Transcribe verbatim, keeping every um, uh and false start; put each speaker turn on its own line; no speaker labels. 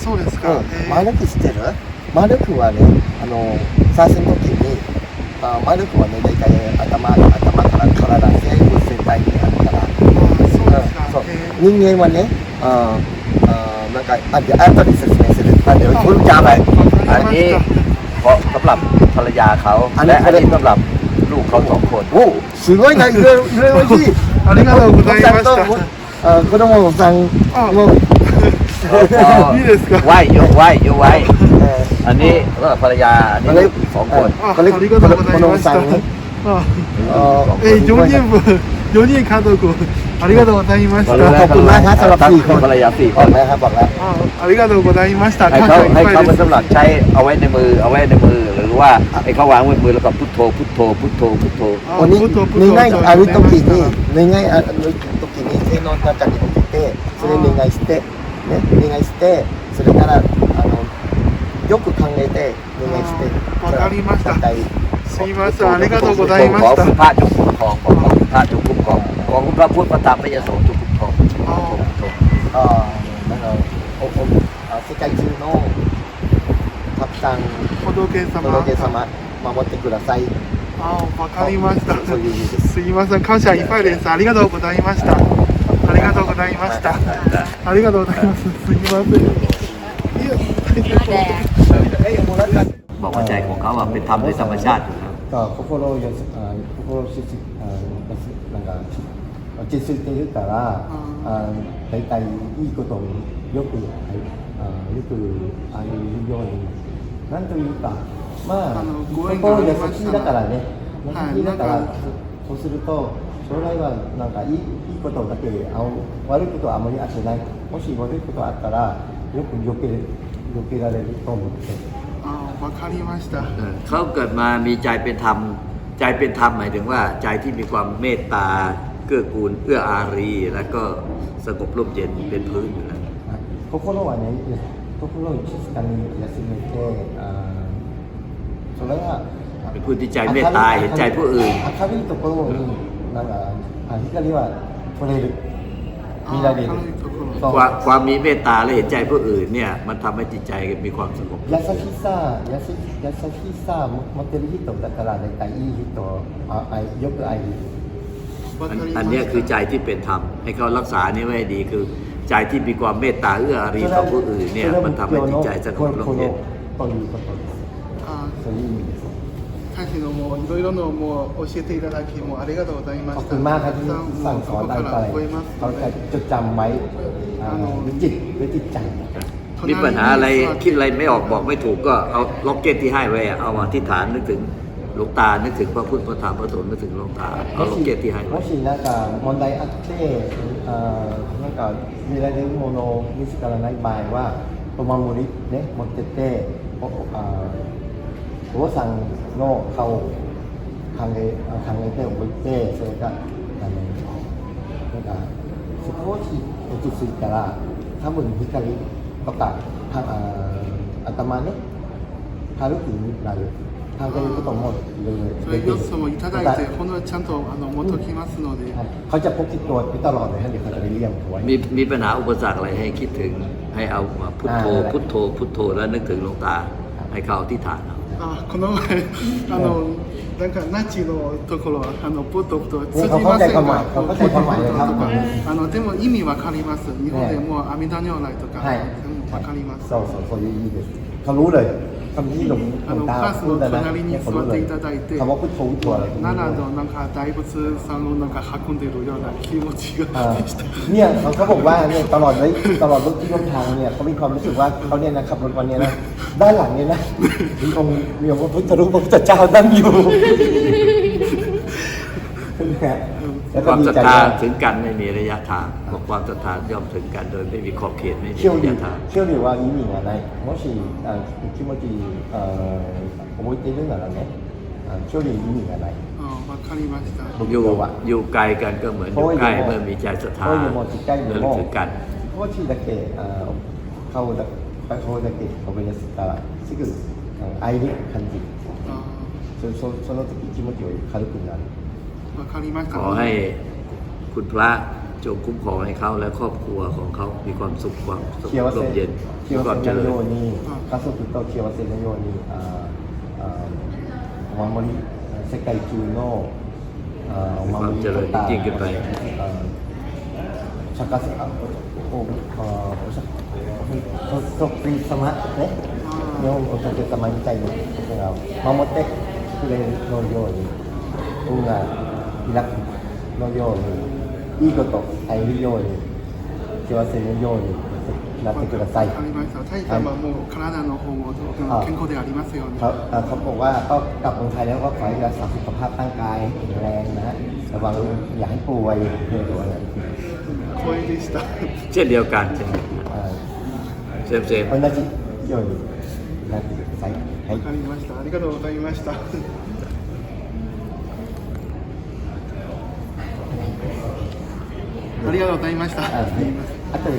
そうですか。
丸くしてる丸くはね、あの、最初の時に、あ丸くはね、大体頭、頭から体全部全体にあるから、
そうですか。
そう人間はね、ああなんかあเดี๋ยว後で説明するあเดี๋ยวคุณจำไว้อันนี้เพราะสำหรับภรรยาเขาและอันนี้สำหรับลูกเขาสองคนโอ้すごいな、いろいろいろしい
ありがとうございました。
あ子供さんも
いいですか。
ไหวยกไหวยกไหวอันนี้สำหรับภรรยาอันนี้ลูกอีกสองคน
เขาเรียก子供さん
え、よにんぶん、よにん家族、ありがとうございました。
ขอบคุณมากครับสำหรับสี่คน
ภรรยาสี่ค
บอก
น
แล้วครับบอกแล้ว
ありがとうございました。
ให้
感
เขา
謝いっ
ให้
ぱ
เขา
い
เป็น
です。
สำหรับใช้เอาไว้ในมือเอาไว้ในมือหรือว่าให้เขาวางไว้มือแล้วก็พุทโธพุทโธพุทโธพุทโธ
วันนี้願いある時に願いある時に性能の中に送ってそれ願いしてね願いしてそれからあのよく考えて願いして
わかりました。
大体
すいません、ありがとうございま
ขอ
した。
คุณพระจงคุ้มครองขอคุณพระจงคุ้มครองขอคุณพระพุทธพระธรรมพระยโสจงคุ้มครอง
ああなんかおおあ世界中のたくさん
仏様。
仏様守ってください
あ、わかりました。
そういう意味です
すいません、感謝いっぱいです。ありがとうございました。ありがとうございました。ありがとうございます。すいません。いや、
บอกว่าใจของเขาอะเป็นธรรมโดยธรรมชาติอยู่แล้ว
ก็心をよすあ心をしあなんか落ち着いているからあ大体いいことによくあよくああいうようになんというかまあ心優しいだからね優しいだからそうすると将来はなんかいいいいことだけあ悪いことはあまりあってないもし悪いことあったらよく避け避けられると思って。
あ、わかりました。
เขาเกิดมามีใจเป็นธรรมใจเป็นธรรมหมายถึงว่าใจที่มีความเมตตาเกื้อกูลเอื้ออารีแล้วก็สงบร่มเย็นเป็นพื้นอยู่แล้ว
心はね心を静かに休めてあそれは
เป็นผู้ที่ใจเมตตาเห็นใจผู้อื่น
明るいところになんかあ光は取れる見られる
ความความมีเมตตาและเห็นใจผู้อื่นเนี่ยมันทำให้จิตใจมีความสงบ
優しさ優し優しさ持ってる人だから大体いい人ああよく愛る
อันอันเนี้ยคือใจที่เป็นธรรมให้เขารักษานี่ไว้ให้ดีคือใจที่มีความเมตตาเอื้ออารีต่อผู้อื่นเนี่ยมันทำให้จิตใจสงบร่มเย็น
ということですそういう意味です
大使のもういろいろのもう教えていただきもありがとうございま
ขอบ
した。
คุณมากครับที่
たくさ
สั่ง
ん
สอน
もう
อะไร
そこか
ไป
ら覚えます
เขา
の
จะ
で。
จดจำไว้ด้วยจิตด้วยจิตใจ
มีปัญหาอะไรคิดอะไรไม่ออกบอกไม่ถูกก็เอาล็อกเก็ตที่ให้ไว้เอามาที่ฐานนึกถึงหลวงตานึกถึงพระพุทธพระธรรมพระสงฆ์นึกถึงหลวงตาเอาล็อกเก็ตที่ให้
も
ไว้
しなんか問題あってあなんか見られるものを見つからない場合はお守りね持ってっておあお坊さんの顔を考え考えておいてそれがあのなんか少し落ち着いたら多分光とかあ頭ね軽くなる考えることもいろいろ
それよっつもいただいて本当はちゃんとあの持っときますので。
เขาจะพกติดตัวไปตลอดเลยฮะเดี๋ยวเขาจะไปเลี่ยมไว้
มีมีปัญหาอุปสรรคอะไรให้คิดถึงให้เอามาพุทโธพุทโธพุทโธแล้วนึกถึงหลวงตาให้เขาเอาที่ฐานเอา
あ、この前あのなんかナチのところあのポトポト通じ
เขาเข้า
ま
ใจ
せん
ความหมาย
が、
เขาเข้าใจความหมายเลยครับ
あのでも意味わかります。日本でもう阿弥陀如来とか
はい
全部わかります。
そうそうそういう意味ですเขารู้เลยคำที่หลวงหลวงตาพูดนะเนี่ยเขารู้เลยคำว่าพุทโธพุทโธอะไร
奈良のなんか大仏さんをなんか運んでるような気持ちがした。
เนี่ยเขาเขาบอกว่าเนี่ยตลอดเลยตลอดรถที่ร่วมทางเนี่ยเขามีความรู้สึกว่าเขาเนี่ยนะขับรถวันนี้นะด้านหลังเนี่ยนะมีองค์มีองค์พระพุทธรูปพระพุทธเจ้านั่งอยู่แล้ว
ค
ก็
วาม
ดี
ศรัท
ใจ
ธา
ว่า
ถึงกันไม่มีระยะทางบอกความศรัทธาย่อมถึงกันโดยไม่มีขอบเขตไม่มี
เชื่อ
ระ
ดี
ยะทาง
เชื่อดีว่า意味がないもし気持ち覚えているならねเชื่อดี意味がない
あ、わかりました。
อยู่อยู่ไกลกันก็เหมือนอยู่ใกล้เมื่อมีใจศรัทธา
遠いのも近いの
ระลึก
も
ถึงกัน
少しだけ顔だ顔だけ覚えやすったらすぐ愛に感じる
あ、
そそその時気持ちが軽くなる
わかりました。
ขอให้คุณพระจงคุ้มครองให้เขาและครอบครัวของเขามีความสุขความสง
幸
บ
せ
ร่มเย็นมีความเจ
幸せ
ริ
の
ญ
ように家族と幸せのようにああお守り世界中のあお守りとかあ釈迦様おあお釈迦様ね日本お仏様みたいなことが守ってくれるのように運が開くのようにいいこと入るように幸せのようになってください。
ありましたタイさんはもう体の方も健康でありますように
เขาเอ่อเขาบอกว่าก็กลับเมืองไทยแล้วก็ขอให้รักษาสุขภาพร่างกายแข็งแรงนะฮะระวังอย่าให้ป่วยเรื่องอะไร
光栄でした
เช่นเดียวกันเช่นเดียวกัน
เอ่อ
เซมเซม
同じようになってください。はい
わかりましたありがとうございましたありがとうございました
ああとで